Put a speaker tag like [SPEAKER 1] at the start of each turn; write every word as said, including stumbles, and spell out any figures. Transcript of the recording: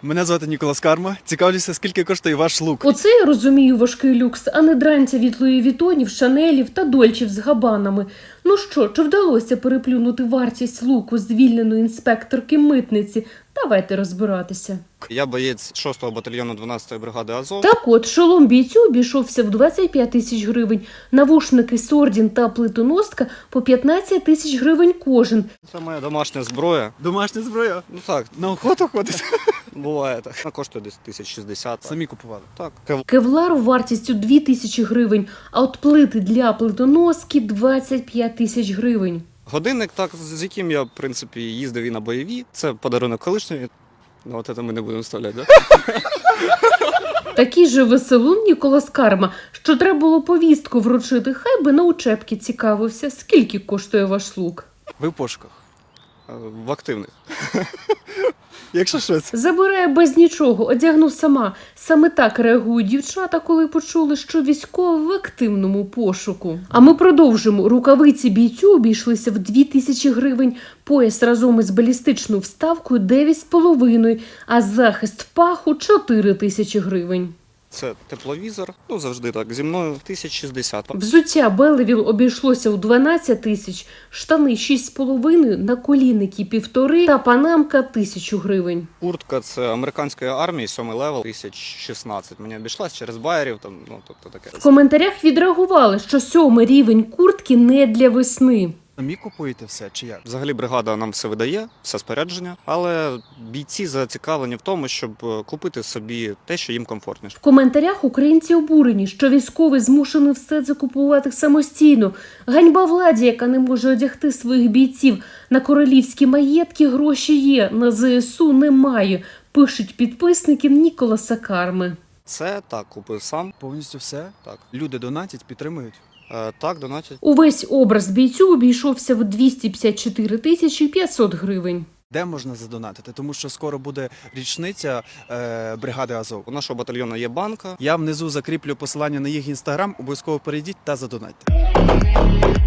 [SPEAKER 1] Мене звати Ніколас Карма. Цікавлюся, скільки коштує ваш лук?
[SPEAKER 2] Оце я розумію важкий люкс, а не дрантя від Луї Вітонів, Шанелів та Дольчів з габанами. Ну що, чи вдалося переплюнути вартість луку звільненої інспекторки митниці? Давайте розбиратися.
[SPEAKER 3] Я боєць шостого батальйону дванадцятої бригади Азов.
[SPEAKER 2] Так от, шолом бійцю обійшовся в двадцять п'ять тисяч гривень, навушники Сордін та плитоноска по п'ятнадцять тисяч гривень кожен.
[SPEAKER 3] Це моя домашня зброя.
[SPEAKER 1] Домашня зброя?
[SPEAKER 3] Ну так,
[SPEAKER 1] На охоту ходить?
[SPEAKER 3] буває так. Вона коштує десь тисяч шістдесят.
[SPEAKER 1] Самі купували?
[SPEAKER 3] Так.
[SPEAKER 2] Кевлар вартістю дві тисячі гривень, а от плити для плитоноски двадцять п'ять тисяч гривень.
[SPEAKER 3] Годинник, так, з яким я, в принципі, їздив і на бойові. Це подарунок колишньої. Ну, от це ми не будемо вставляти, так? Да?
[SPEAKER 2] Такий же веселун Ніколас Карма, що треба було повістку вручити, хай би на учебки цікавився, скільки коштує ваш лук.
[SPEAKER 1] Ви в пошуках.
[SPEAKER 3] В активних.
[SPEAKER 1] Якщо щось.
[SPEAKER 2] Забирає без нічого, одягну сама. Саме так реагують дівчата, коли почули, що військовий в активному пошуку. А ми продовжимо. Рукавиці бійцю обійшлися в дві тисячі гривень, пояс разом із балістичною вставкою дев'ять з половиною, а захист паху чотири тисячі гривень.
[SPEAKER 3] Це тепловізор. Ну, завжди так. Зі мною тисяч шістдесят.
[SPEAKER 2] Взуття Белевіл обійшлося у дванадцять тисяч, штани шість з половиною, наколінники півтори та панамка тисячу гривень.
[SPEAKER 3] Куртка це американської армії, сьомий левел, тисяч шістнадцять. Мені обійшлась через байерів, там, ну, тобто таке.
[SPEAKER 2] В коментарях відреагували, що сьомий рівень куртки не для весни.
[SPEAKER 1] Самі купуєте все чи як?
[SPEAKER 3] Взагалі бригада нам все видає, все спорядження, але бійці зацікавлені в тому, щоб купити собі те, що їм комфортніше.
[SPEAKER 2] В коментарях українці обурені, що військовий змушений все це купувати самостійно. Ганьба владі, яка не може одягти своїх бійців. На королівські маєтки гроші є, на зе ес у немає, пишуть підписники Ніколаса Карми.
[SPEAKER 3] Це так, купив сам.
[SPEAKER 1] Повністю все?
[SPEAKER 3] Так.
[SPEAKER 1] Люди донатять, підтримують?
[SPEAKER 3] Е, так, донатять.
[SPEAKER 2] Увесь образ бійцю обійшовся в двісті п'ятдесят чотири тисячі п'ятсот гривень.
[SPEAKER 1] Де можна задонатити? Тому що скоро буде річниця е, бригади Азов.
[SPEAKER 3] У нашого батальйону є банка.
[SPEAKER 1] Я внизу закріплю посилання на їх інстаграм, обов'язково перейдіть та задонатьте.